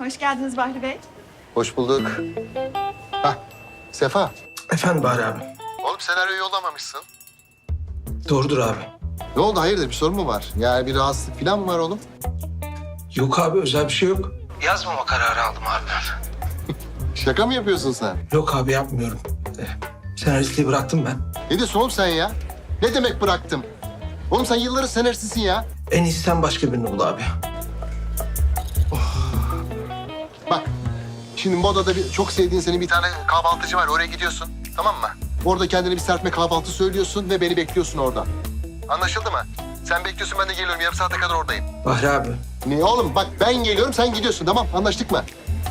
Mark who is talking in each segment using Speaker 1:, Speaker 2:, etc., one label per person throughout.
Speaker 1: Hoş geldiniz Bahri Bey.
Speaker 2: Hoş bulduk. Hah, Sefa.
Speaker 3: Efendim Bahri abi.
Speaker 2: Oğlum senaryoyu yollamamışsın.
Speaker 3: Doğrudur abi.
Speaker 2: Ne oldu, hayırdır, bir sorun mu var? Yani bir rahatsızlık falan mı var oğlum?
Speaker 3: Yok abi, özel bir şey yok. Yazmama kararı aldım abi ben.
Speaker 2: Şaka mı yapıyorsun sen?
Speaker 3: Yok abi, yapmıyorum. Senaristliği bıraktım ben.
Speaker 2: Ne diyorsun oğlum sen ya? Ne demek bıraktım? Oğlum sen yılların senaristisin ya.
Speaker 3: En iyisi sen başka birini bul abi.
Speaker 2: Bak, şimdi Moda'da çok sevdiğin senin bir tane kahvaltıcı var. Oraya gidiyorsun, tamam mı? Orada kendine bir serpme kahvaltı söylüyorsun ve beni bekliyorsun orada. Anlaşıldı mı? Sen bekliyorsun, ben de geliyorum. Yarım saate kadar oradayım.
Speaker 3: Bahri abi.
Speaker 2: Ne oğlum? Bak ben geliyorum, sen gidiyorsun. Tamam, anlaştık mı?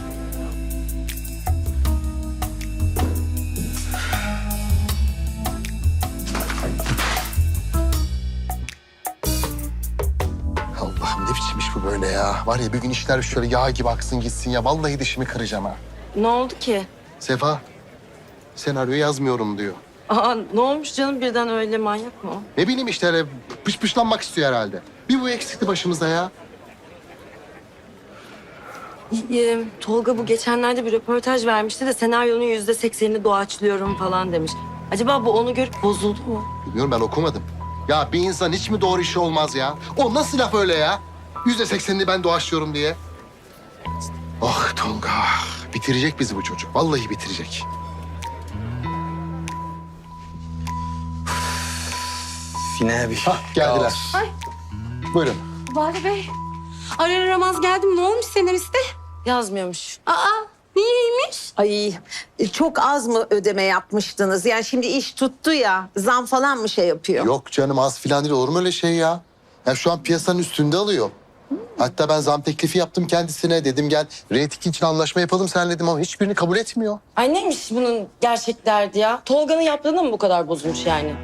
Speaker 2: Allah'ım ne biçim iş bu böyle ya? Var ya bir gün işler şöyle yağ gibi aksın gitsin ya. Vallahi dişimi kıracağım ha.
Speaker 4: Ne oldu ki?
Speaker 2: Sefa, senaryo yazmıyorum diyor.
Speaker 4: Aa, ne olmuş canım, birden öyle manyak mı o?
Speaker 2: Ne bileyim işte öyle pışlanmak istiyor herhalde. Bir bu eksikti başımızda ya.
Speaker 4: Tolga bu geçenlerde bir röportaj vermişti de senaryonun %80'ini doğaçlıyorum falan demiş. Acaba bu onu görüp bozuldu mu?
Speaker 2: Bilmiyorum, ben okumadım. Ya bir insan hiç mi doğru işi olmaz ya? O nasıl laf öyle ya? %80'ini ben doğaçlıyorum diye. Ah Tolga, bitirecek bizi bu çocuk. Vallahi bitirecek.
Speaker 5: Yine abi.
Speaker 2: Hah, geldiler.
Speaker 6: Ay.
Speaker 2: Buyurun.
Speaker 6: Bahri Bey, arar aramaz geldim. Ne olmuş senariste?
Speaker 4: Yazmıyormuş.
Speaker 6: Aa, niyeymiş?
Speaker 7: Ay çok az mı ödeme yapmıştınız? Yani şimdi iş tuttu ya, zam falan mı şey yapıyor?
Speaker 2: Yok canım, az filan değil, olur mu öyle şey ya? Ya şu an piyasanın üstünde alıyor. Hatta ben zam teklifi yaptım kendisine. Dedim gel reyting için anlaşma yapalım seninle dedim ama hiçbirini kabul etmiyor.
Speaker 4: Ay neymiş bunun gerçek derdi ya? Tolga'nın yaptığına mı bu kadar bozulmuş yani?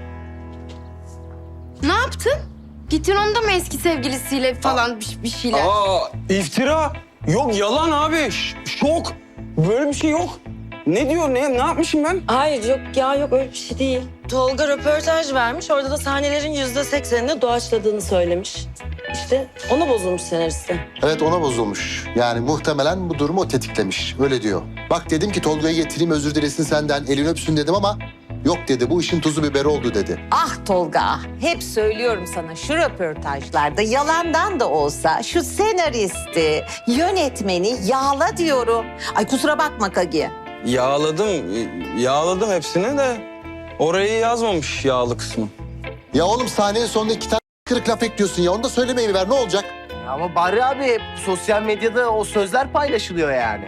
Speaker 6: Ne yaptın? Gittin onu da mı eski sevgilisiyle falan bir şeyler?
Speaker 5: Aa, iftira. Yok, yalan abi. Şok. Böyle bir şey yok. Ne diyor, ne yapmışım ben?
Speaker 4: Hayır yok ya, yok öyle bir şey değil. Tolga röportaj vermiş, orada da sahnelerin %80'ini doğaçladığını söylemiş. İşte ona bozulmuş senaristi.
Speaker 2: Evet, ona bozulmuş. Yani muhtemelen bu durumu o tetiklemiş. Öyle diyor. Bak dedim ki Tolga'yı getireyim, özür dilesin senden, elini öpsün dedim ama yok dedi, bu işin tuzu biberi oldu dedi.
Speaker 7: Ah Tolga, hep söylüyorum sana şu röportajlarda yalandan da olsa şu senaristi, yönetmeni yağla diyorum. Ay kusura bakma Kagi.
Speaker 5: Yağladım hepsini de orayı yazmamış yağlı kısmı.
Speaker 2: Ya oğlum sahnenin sonunda 2 tane kırık laf ekliyorsun ya, onu da söylemeyi ver, ne olacak?
Speaker 8: Ama Bahri abi sosyal medyada o sözler paylaşılıyor yani.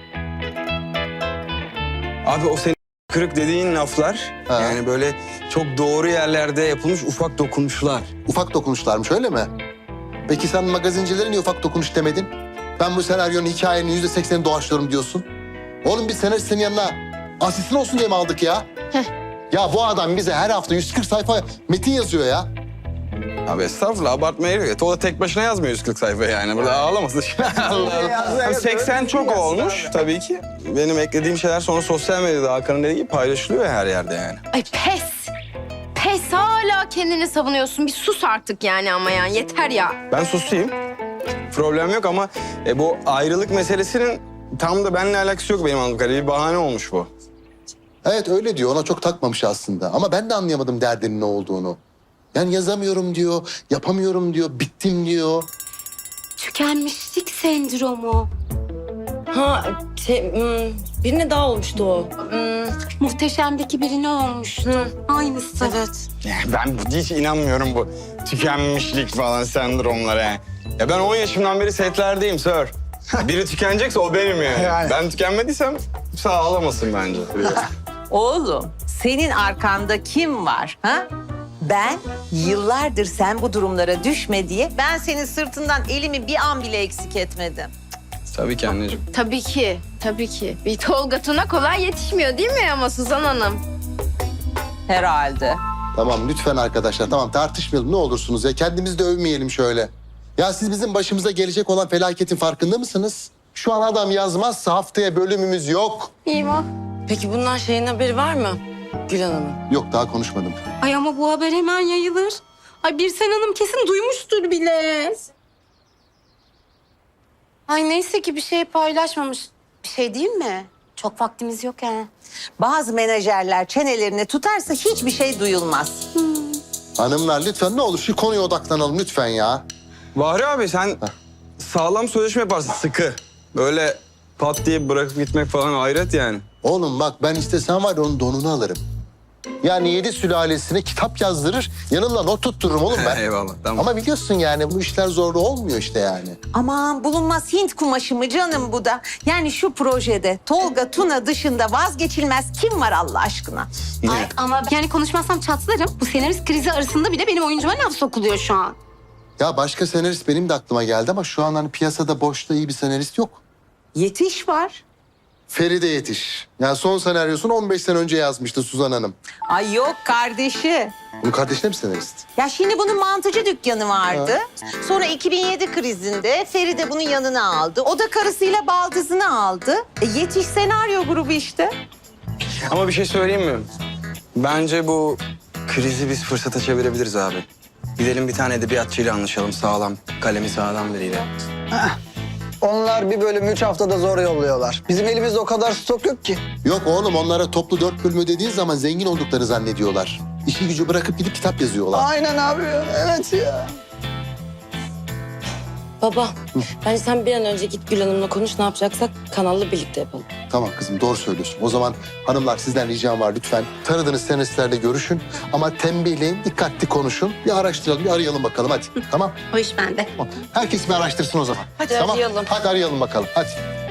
Speaker 5: Abi o senin kırık dediğin laflar
Speaker 2: Ha.
Speaker 5: yani böyle çok doğru yerlerde yapılmış ufak dokunuşlar.
Speaker 2: Ufak dokunuşlarmış, öyle mi? Peki sen magazincilere niye ufak dokunuş demedin? Ben bu senaryonun, hikayenin %80'ini doğaçlıyorum diyorsun. Oğlum biz senaristin yanına asistan olsun diye mi aldık ya? Ya bu adam bize her hafta 140 sayfa metin yazıyor ya.
Speaker 5: Abi estağfurullah, abartmaya gerek yok. O da tek başına yazmıyor 140 sayfa yani. Burada ağlamasın. Allah Allah. 80 çok olmuş tabii ki. Benim eklediğim şeyler sonra sosyal medyada Hakan'ın dediği gibi paylaşılıyor her yerde yani.
Speaker 6: Ay pes. Pes, hala kendini savunuyorsun. Bir sus artık yani ama yani yeter ya.
Speaker 5: Ben susayım. Problem yok ama bu ayrılık meselesinin tam da benimle alakası yok benim anladığım kadarıyla. Bir bahane olmuş bu.
Speaker 2: Evet öyle diyor, ona çok takmamış aslında. Ama ben de anlayamadım derdinin ne olduğunu. Yani yazamıyorum diyor, yapamıyorum diyor, bittim diyor.
Speaker 6: Tükenmişlik sendromu.
Speaker 4: Ha birine daha olmuştu o.
Speaker 6: Muhteşemdeki birine olmuştu. Aynısı.
Speaker 4: Evet.
Speaker 5: Ben hiç inanmıyorum bu tükenmişlik falan sendromlara yani. Ya ben 10 yaşımdan beri setlerdeyim sir. Biri tükenecekse o benim yani. Ben tükenmediysem sağ olamasın bence.
Speaker 7: Oğlum senin arkanda kim var? Ha? Ben yıllardır sen bu durumlara düşme diye ben senin sırtından elimi bir an bile eksik etmedim.
Speaker 5: Tabii ki anneciğim.
Speaker 6: Tabii ki, tabii ki. Bir Tolga Tuna kolay yetişmiyor değil mi ama Suzan Hanım?
Speaker 7: Herhalde.
Speaker 2: Tamam lütfen arkadaşlar, tamam tartışmayalım ne olursunuz ya. Kendimizi de övmeyelim şöyle. Ya siz bizim başımıza gelecek olan felaketin farkında mısınız? Şu an adam yazmazsa haftaya bölümümüz yok.
Speaker 6: İyiyim.
Speaker 4: Peki bundan şeyin haberi var mı Gül Hanım'ın?
Speaker 2: Yok, daha konuşmadım.
Speaker 6: Ay ama bu haber hemen yayılır. Ay Birsen Hanım kesin duymuştur bile.
Speaker 1: Ay neyse ki bir şey paylaşmamış. Bir şey değil mi? Çok vaktimiz yok yani.
Speaker 7: Bazı menajerler çenelerini tutarsa hiçbir şey duyulmaz.
Speaker 2: Hanımlar lütfen ne olur şu konuya odaklanalım lütfen ya.
Speaker 5: Bahri abi sen sağlam sözleşme yaparsın sıkı. Böyle pat diye bırakıp gitmek falan hayret yani.
Speaker 2: Oğlum bak ben istesem var ya onun donunu alırım. Yani 7 sülalesine kitap yazdırır, yanımda not tuttururum oğlum ben.
Speaker 5: Eyvallah tamam.
Speaker 2: Ama biliyorsun yani bu işler zorlu olmuyor işte yani.
Speaker 7: Aman bulunmaz Hint kumaşı mı canım bu da? Yani şu projede Tolga, Tuna dışında vazgeçilmez kim var Allah aşkına?
Speaker 2: Yine.
Speaker 1: Ay ama yani konuşmazsam çatlarım. Bu senarist krizi arasında bile benim oyuncuma laf sokuluyor şu an.
Speaker 2: Ya başka senarist benim de aklıma geldi ama şu an hani piyasada boşta iyi bir senarist yok.
Speaker 7: Yetiş var.
Speaker 2: Feride Yetiş. Yani son senaryosunu 15 sene önce yazmıştı Suzan Hanım.
Speaker 7: Ay yok kardeşi.
Speaker 2: Bunun kardeşine mi senarist?
Speaker 7: Ya şimdi bunun mantıcı dükkanı vardı. Sonra 2007 krizinde Feride bunun yanına aldı. O da karısıyla baldızını aldı. Yetiş senaryo grubu işte.
Speaker 5: Ama bir şey söyleyeyim mi? Bence bu krizi biz fırsata çevirebiliriz abi. Gidelim bir tane edebiyatçıyla anlaşalım sağlam. Kalemi sağlam biriyle.
Speaker 9: Onlar bir bölümü 3 haftada zor yolluyorlar. Bizim elimizde o kadar stok yok ki.
Speaker 2: Yok oğlum onlara toplu 4 bölümü dediğin zaman zengin olduklarını zannediyorlar. İşi gücü bırakıp gidip kitap yazıyorlar.
Speaker 9: Aynen abi. Evet ya.
Speaker 4: Baba, bence sen bir an önce git Gül Hanım'la konuş. Ne yapacaksak kanalla birlikte yapalım.
Speaker 2: Tamam kızım doğru söylüyorsun. O zaman hanımlar sizden ricam var lütfen. Tanıdığınız senaristlerle görüşün ama tembihleyin, dikkatli konuşun. Bir araştıralım, bir arayalım bakalım hadi. Tamam?
Speaker 1: O iş bende.
Speaker 2: Herkes bir araştırsın o zaman.
Speaker 4: Hadi
Speaker 2: tamam.
Speaker 4: arayalım.
Speaker 2: Hadi arayalım bakalım hadi.